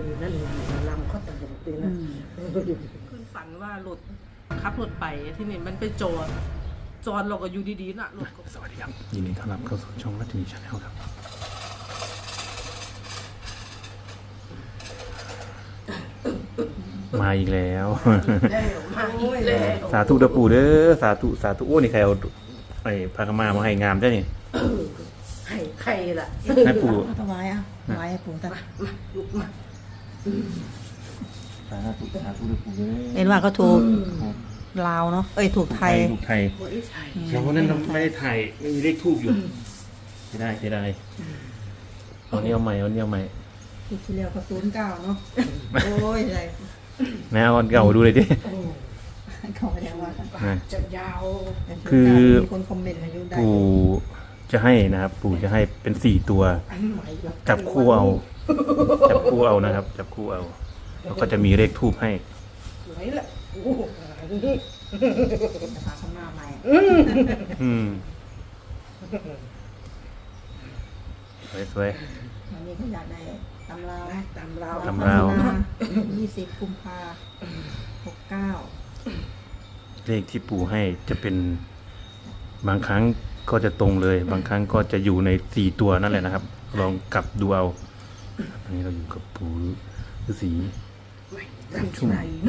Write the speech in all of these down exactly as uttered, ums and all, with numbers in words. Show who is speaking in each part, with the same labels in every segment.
Speaker 1: ดีนั่นลำเขาตลกดีนะขึ้นฝันว่ารถขับรถไปที่นี่มันไปจอดจอดเราก็อยู่ดีๆน่ะรถ
Speaker 2: สวัสดีครับยินดีต้อนรับเข้าสู่ช่องรัตนีชาแนลครับมาอีกแล้ว
Speaker 1: มาอีกแล้ว
Speaker 2: สาธุเด้อปู่เด้อสาธุสาธุโอ้นี่ใครเอาไอ้พากมามาให้งามได้นี่
Speaker 1: ให้ใครล่ะ
Speaker 2: ให้ปู่
Speaker 3: ถวายอ่ะถวายให้ปู่ตา
Speaker 1: มาลุกมา
Speaker 2: สาธุสาธุเด้อปู่เด้อ
Speaker 3: เห็นว่าก็ถูกลาวเนาะเอ้ยถูกไทย
Speaker 2: ถูกไทยเราวันนั้นเราไม่ได้ถ่ายไม่มีเลขทูบอยู่ไม่ได้ไม่ได้วันนี้เอาใหม่วันนี้เอาใหม่
Speaker 3: ถูกที่แล้วก็ศูนย์เก้าเนาะโอ้ยอะไร
Speaker 2: แม่เอาเก่าดูเลยดิ
Speaker 3: เขาไม่ได้ว่า
Speaker 1: จะยาว
Speaker 2: คือ
Speaker 3: มีคนคอมเมนต์มาอยู่ได้
Speaker 2: ปู่จะให้นะครับปู่จะให้เป็นสี่ตัวจับคู่เอาจับคู่เอานะครับจับคู่เอาแล้วก็จะมีเลขทูบให้
Speaker 1: สวยละโอ้
Speaker 3: จะพาข้างหน้าใหม่
Speaker 2: อืมสวยสวย
Speaker 3: วันนี้เขาอยากได้ตำราว
Speaker 1: ตำราว
Speaker 2: ตำราว
Speaker 3: ยี่สิบกุมภาหกเก้า
Speaker 2: เลขที่ปู่ให้จะเป็นบางครั้งก็จะตรงเลยบางครั้งก็จะอยู่ในสี่ตัวนั่นแหละนะครับลองกลับดูเอาอันนี้เราอยู่กับปู่ฤาษีชุ่ม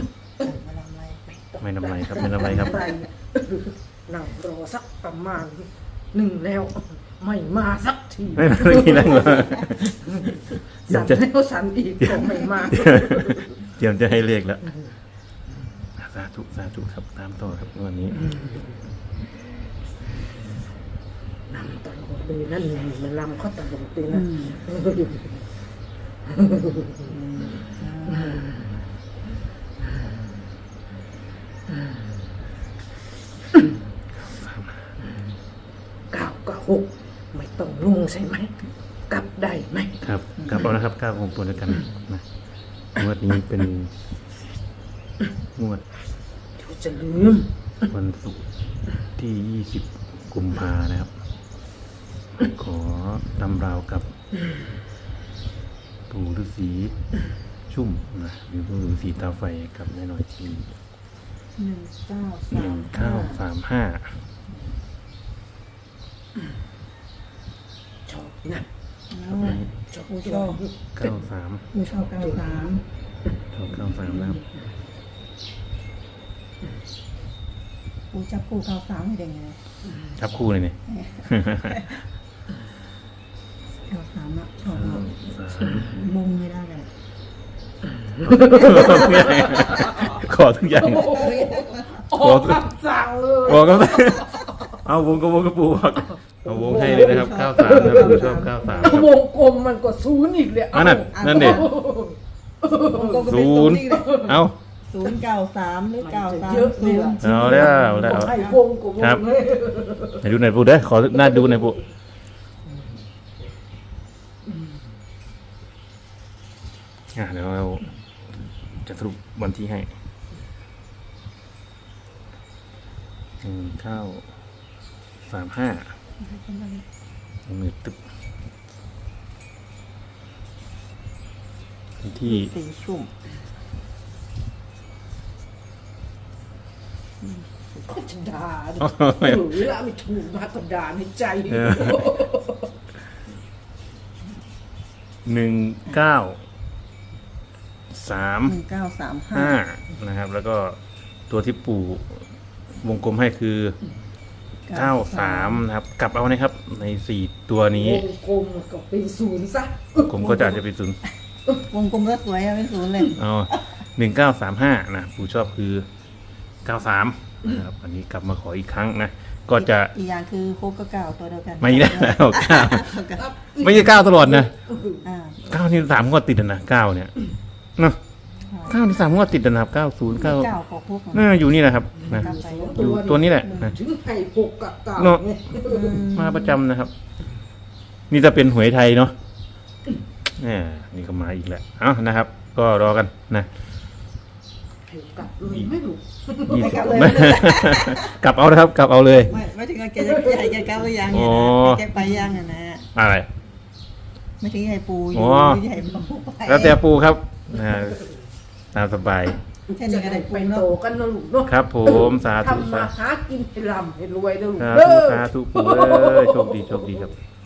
Speaker 2: ไม่นำไรครับไม่นำไรครับ
Speaker 1: นั่งรอสักประมาณหนึ่งแล้วไม่มาสักที
Speaker 2: ไม่มาสักทีนั่งรอ
Speaker 1: สั่นแล้วสั่นอีกก็ไม่มา
Speaker 2: เตรียมจะให้เลขแล้วสาธุสาธุครับตามต่อครับวันนี้
Speaker 1: ลำตลกดีนั่นมันลำเขาตลกดีนะเก้ากับหกไม่ต้องลงใช่ไหมกลับได้ไหม
Speaker 2: ครับกลับเอานะครับก้าวของตัวด้วยกันนะงวดนี้เป็นงวด
Speaker 1: เดี๋ยวจะลืม
Speaker 2: วันศุกร์ที่ยี่สิบกุมภานะครับขอตำราวกับปู่ฤาษีชุ่มนะหรือปู่ฤาษีตาไฟกับแม่น้อยที
Speaker 3: หนึ่งเก้า
Speaker 2: หนึ่งเก้าสามห้า
Speaker 1: ชอบนะ
Speaker 3: ชอบชอบ
Speaker 2: เก้าสาม
Speaker 3: ชอบเก้าสาม
Speaker 2: ชอบเก้าสามนะครับ
Speaker 3: ปูจับคู่เก้าสามให้ได้ไง
Speaker 2: จับคู่เลยเนี่ย
Speaker 3: เก้าสามอะชอบมงไม่ได้เลย
Speaker 2: ขอทุกอย่าง
Speaker 1: ขอคำสั่งเลย
Speaker 2: บอกก็เอาวงกบวงกระปูบอกเอาวงให้เลยนะครับเก้าสามนะผมชอบเก้าสาม
Speaker 1: วงกลมมันก็ศูนย์อีกเลย
Speaker 2: อันนั้นนั่นเด็ศูนย์เอา
Speaker 3: ศูนย์เก้าสามหรือเก้าสามศูนย์
Speaker 2: เอาแล้วแล้วครับไหนดูไหนปูเด้อขอหน้าดูไหนปูอ่ะเดี๋ยวเราจะสรุปวันที่ให้หนึ่งเก้าสามห้ามือตึ๊บที่
Speaker 3: สีชุ่ม
Speaker 1: ก็จะด่าหรือเวลาไม่ถูกมาก็ด่าในใจ
Speaker 2: หนึ่งเก้าสาม
Speaker 3: หนึ่งเก้าสาม
Speaker 2: ห้านะครับแล้วก็ตัวที่ปู่วงกลมให้คือเก้าสามนะครับกลับเอานะครับในสี่ตัวนี้
Speaker 1: วงกลมก็เป็นศูนย์ซะ
Speaker 2: กลมก็จะจะเป็นศูนย์
Speaker 3: วงกลมก็สวยอะเป็นศูนย์เลย
Speaker 2: อ๋อหนึ่งเก้าสามห้านะปู่ชอบคือเก้าสามนะครับอันนี้กลับมาขออีกครั้งนะก็จะ
Speaker 3: อีกอย่างคือโคกกับเก้าตัวเดียวกัน
Speaker 2: ไม่ได้แล้วเก้าไม่ใช่เก้าตลอดนะเก้านี่สามงวดติดนะเก้าเนี่ยเนาะเก้านี่สามงวดติดนะครับเก้าศูนย์เก้าน่าอยู่นี่แหละครับนะอยู่ตัวนี้แหละนะ
Speaker 1: ถึงไข่หกกับเก้า
Speaker 2: เนาะมาประจำนะครับนี่จะเป็นหวยไทยเนาะนี่นี่ก็มาอีกแล้วเอ้านะครับก็รอกันนะ
Speaker 1: กลับเลยไม่รู้
Speaker 2: กลับเลยกลับเอานะครับกลับเอาเลย
Speaker 3: ไม่ไม่ถึงแกจะใหญ่แกกลับหรือยังเนี่ยแกไปยังอ่ะนะ
Speaker 2: อะไร
Speaker 3: ไม่ถึงใหญ่ปูอยู่ใหญ่ปู
Speaker 2: แล้วแต่ปูครับนะฮะตามสบาย
Speaker 3: แค่นี้ก็ได้
Speaker 1: ไป
Speaker 3: ปู
Speaker 1: โต
Speaker 3: เนาะ
Speaker 1: กันนะลูกเนาะ
Speaker 2: ครับผมสาธุ
Speaker 1: ทำมา
Speaker 2: สา
Speaker 1: หากินให้ร่ำให้รวยนะลูก
Speaker 2: สา
Speaker 1: เด้
Speaker 2: ธุ
Speaker 1: อ
Speaker 2: สาธุปู่เอ้ยโชคดีโชคดีครับ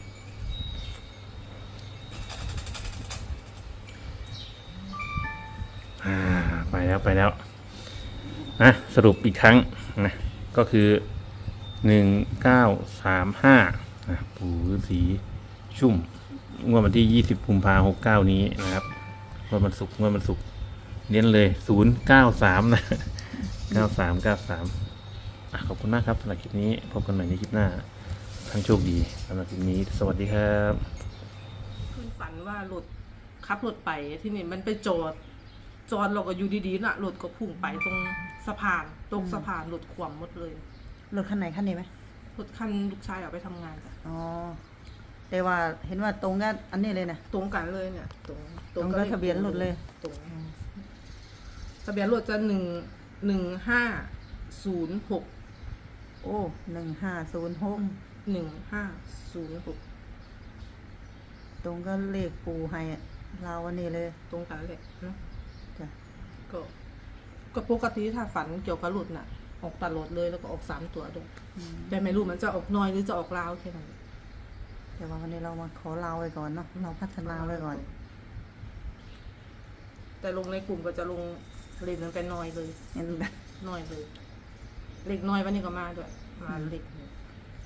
Speaker 2: อ่าไปแล้วไปแล้วนะสรุปอีกครั้งนะก็คือหนึ่งเก้าสามห้านะปู่ฤาษีชุ่มงวดวันที่ยี่สิบกุมภาหกเก้านี้นะครับงวดวันศุกร์งวดวันศุกร์เน้นเลยศูนย์เก้าสามนะเก้าสามเก้าสามอ่ะขอบคุณมากครับสำหรับคลิปนี้พบกันใหม่ในคลิปหน้าทั้งโชคดีสำหรับคลิปนี้สวัสดีครับ
Speaker 1: คืนฝันว่าหลุดขับรถไปที่นี่มันไปจอดจอดเราก็อยู่ดีๆน่ะรถก็พุ่งไปตรงสะพานตรงสะพานรถขวมหมดเลย
Speaker 3: รถคันไหนคันนี้ไหม
Speaker 1: รถคันลูกชายเอาไปทำงานจ้ะ
Speaker 3: อ๋อแต่ว่าเห็นว่าตรงกันอันนี้เลยนะ
Speaker 1: ตรงกันเลยเนี่ยตรง
Speaker 3: ตรงกับทะเบียนรถเลย
Speaker 1: ตรงทะเบียนรถจะหนึ่งหนึ่งห้าศูนย์หก
Speaker 3: โอ้หนึ่งห้าศูนย์หก
Speaker 1: หนึ่งห้าศูนย์หก
Speaker 3: ตรงก็เลขปูให้อะเราวันนี้เลย
Speaker 1: ตรงกันเลยเนาะ
Speaker 3: จ้ะ
Speaker 1: ก็ก็ปกติถ้าฝันเกี่ยวกับรถน่ะ ออกตลอดเลยแล้วก็ออกสามตัวด้วยแต่ไม่รู้มันจะออกน้อยหรือจะออกลาวแค่นั้น
Speaker 3: แต่ว่าวันนี้เรามาขอเราไว้ก่อนเนาะเราพัฒนาไว้ก่อน
Speaker 1: แต่ลงในกลุ่มก็จะลงเลขนั้นเป็นน้อยเลย
Speaker 3: เห็นแบบ
Speaker 1: น้อยเลยเลขน้อยวันนี้ก็มาด้วยมาเลขหนึ่ง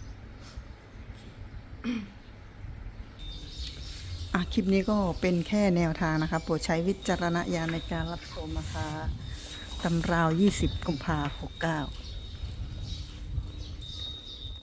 Speaker 3: อ่ะคลิปนี้ก็เป็นแค่แนวทางนะคะโปรดใช้วิจารณญาณในการรับชมนะคะตำราวยี่สิบกุมภาหกเก้า